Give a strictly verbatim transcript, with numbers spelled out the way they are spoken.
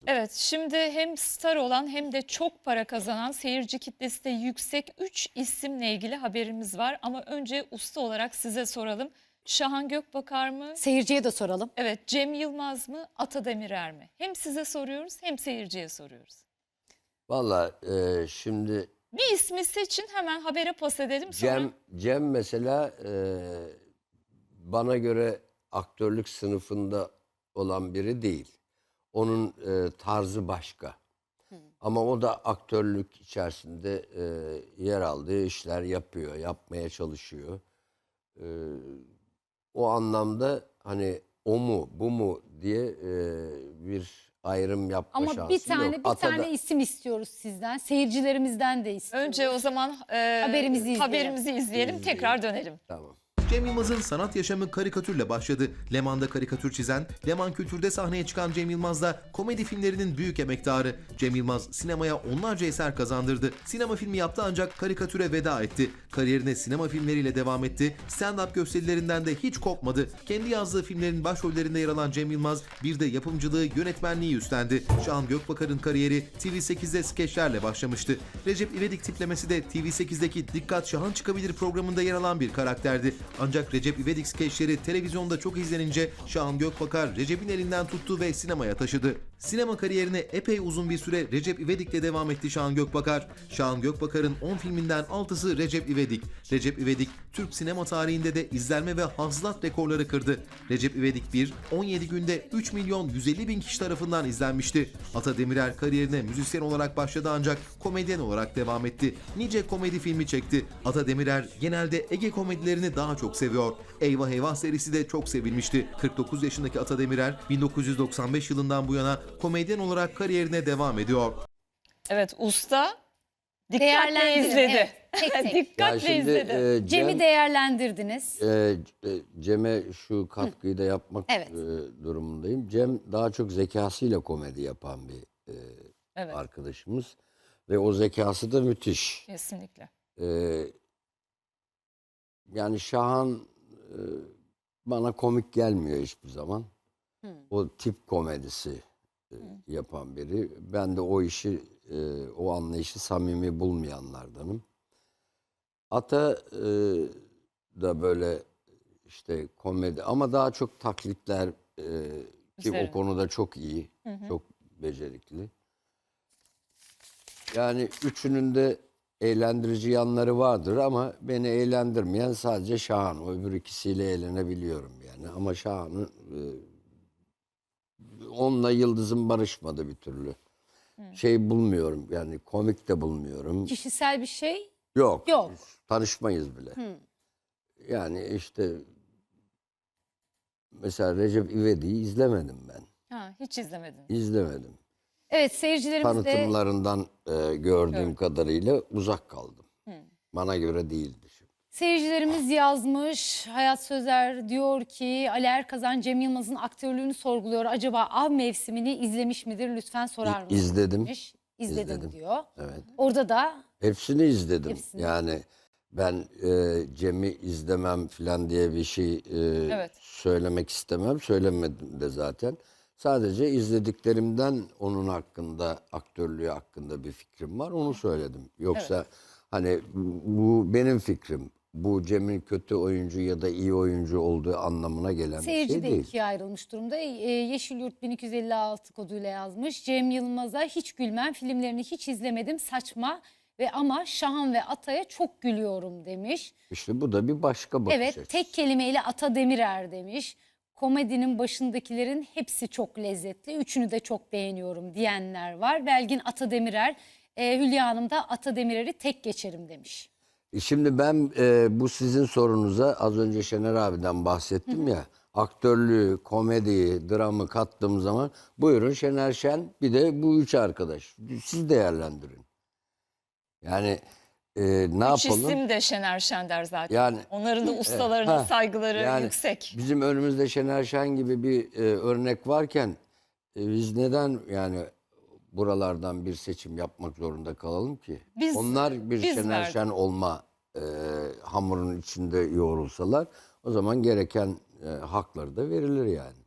Evet, şimdi hem star olan hem de çok para kazanan, seyirci kitlesi de yüksek üç isimle ilgili haberimiz var. Ama önce usta olarak size soralım. Şahan Gökbakar mı? Seyirciye de soralım. Evet, Cem Yılmaz mı? Ata Demirer mi? Hem size soruyoruz hem seyirciye soruyoruz. Valla e, şimdi Bir ismi seçin, hemen habere pas edelim sonra. Cem Cem mesela e, bana göre aktörlük sınıfında olan biri değil. Onun e, tarzı başka. Ama o da aktörlük içerisinde e, yer aldığı işler yapıyor, yapmaya çalışıyor. E, o anlamda hani o mu, bu mu diye e, bir ayrım yapma Ama şansım bir tane yok. bir Atada- tane isim istiyoruz sizden. Seyircilerimizden de istiyoruz. Önce o zaman e, Haberimizi izleyelim. haberimizi izleyelim, İzleyelim. tekrar dönelim. Tamam. Cem Yılmaz'ın sanat yaşamı karikatürle başladı. Leman'da karikatür çizen, Leman Kültür'de sahneye çıkan Cem Yılmaz da komedi filmlerinin büyük emektarı. Cem Yılmaz sinemaya onlarca eser kazandırdı. Sinema filmi yaptı ancak karikatüre veda etti. Kariyerine sinema filmleriyle devam etti. Stand-up gösterilerinden de hiç kopmadı. Kendi yazdığı filmlerin başrollerinde yer alan Cem Yılmaz bir de yapımcılığı, yönetmenliği üstlendi. Şahan Gökbakar'ın kariyeri T V sekizde skeçlerle başlamıştı. Recep İvedik tiplemesi de T V sekizdeki Dikkat Şahan Çıkabilir programında yer alan bir karakterdi. Ancak Recep İvedik skeçleri televizyonda çok izlenince Şahan Gökbakar Recep'in elinden tuttu ve sinemaya taşıdı. Sinema kariyerine epey uzun bir süre Recep İvedik'le devam etti Şahan Gökbakar. Şahan Gökbakar'ın on filminden altısı Recep İvedik. Recep İvedik, Türk sinema tarihinde de izlenme ve hasılat rekorları kırdı. Recep İvedik bir, on yedi günde üç milyon yüz elli bin kişi tarafından izlenmişti. Ata Demirer kariyerine müzisyen olarak başladı ancak komedyen olarak devam etti. Nice komedi filmi çekti. Ata Demirer genelde Ege komedilerini daha çok seviyor. Eyvah Eyvah serisi de çok sevilmişti. kırk dokuz yaşındaki Ata Demirer bin dokuz yüz doksan beş yılından bu yana komedyen olarak kariyerine devam ediyor. Evet, usta dikkatle Değerlendirin, izledi. evet, tek tek. Dikkatle Ya şimdi, izledi. e, Cem- Cem'i değerlendirdiniz. Ee, e, Cem'e şu katkıyı da yapmak Evet. e, durumundayım. Cem daha çok zekasıyla komedi yapan bir e, Evet. arkadaşımız. Ve o zekası da müthiş. Kesinlikle. Ee, yani Şahan e, bana komik gelmiyor hiçbir zaman. O tip komedisi e, yapan biri. Ben de o işi, e, o anlayışı samimi bulmayanlardanım. Ata e, da böyle işte komedi ama daha çok taklitler e, ki Üzerine. o konuda çok iyi, çok becerikli. Yani üçünün de eğlendirici yanları vardır ama beni eğlendirmeyen sadece Şahan. O öbür ikisiyle eğlenebiliyorum yani. Ama Şahan'ı e, onunla yıldızım barışmadı bir türlü. Şey bulmuyorum yani komik de bulmuyorum. Kişisel bir şey Yok. yok. Tanışmayız bile. Yani işte mesela Recep İvedik'i izlemedim ben. Ha, hiç izlemedim. İzlemedim. Evet, seyircilerimiz de Tanıtımlarından e, gördüğüm Evet. kadarıyla uzak kaldım. Bana göre değildi. Şimdi. Seyircilerimiz yazmış. Hayat Sözer diyor ki Ali Erkazan Cem Yılmaz'ın aktörlüğünü sorguluyor. Acaba av mevsimini izlemiş midir? Lütfen sorar mısınız? İzledim. demiş. İzledim, İzledim. diyor. Evet. Orada da Hepsini izledim. Hepsini. Yani ben e, Cem'i izlemem falan diye bir şey e, Evet. söylemek istemem. Söylemedim de zaten. Sadece izlediklerimden onun hakkında, aktörlüğü hakkında bir fikrim var. Onu söyledim. Yoksa hani bu benim fikrim. Bu Cem'in kötü oyuncu ya da iyi oyuncu olduğu anlamına gelen seyirci bir de şey değil. ikiye ayrılmış durumda. Ee, Yeşilyurt bin iki yüz elli altı koduyla yazmış. Cem Yılmaz'a hiç gülmem, filmlerini hiç izlemedim, saçma ve ama Şahan ve Ata'ya çok gülüyorum demiş. İşte bu da bir başka bakış Evet, açısı. tek kelimeyle Ata Demirer demiş. Komedinin başındakilerin hepsi çok lezzetli. Üçünü de çok beğeniyorum diyenler var. Belgin Ata Demirer, e, Hülya Hanım da Ata Demirer'i tek geçerim demiş. E Şimdi ben e, bu sizin sorunuza az önce Şener abiden bahsettim ya. Aktörlüğü, komediyi, dramı kattığım zaman buyurun Şener Şen bir de bu üç arkadaş. Siz değerlendirin. Yani e, ne Üç yapalım? isim de Şener Şender zaten. Yani- Onların da ustalarının Ha, saygıları yani yüksek. Bizim önümüzde Şener Şen gibi bir e, örnek varken e, biz neden yani buralardan bir seçim yapmak zorunda kalalım ki? Biz- Onlar bir biz Şener verdik. Şen olma e, hamurun içinde yoğrulsalar o zaman gereken e, hakları da verilir yani.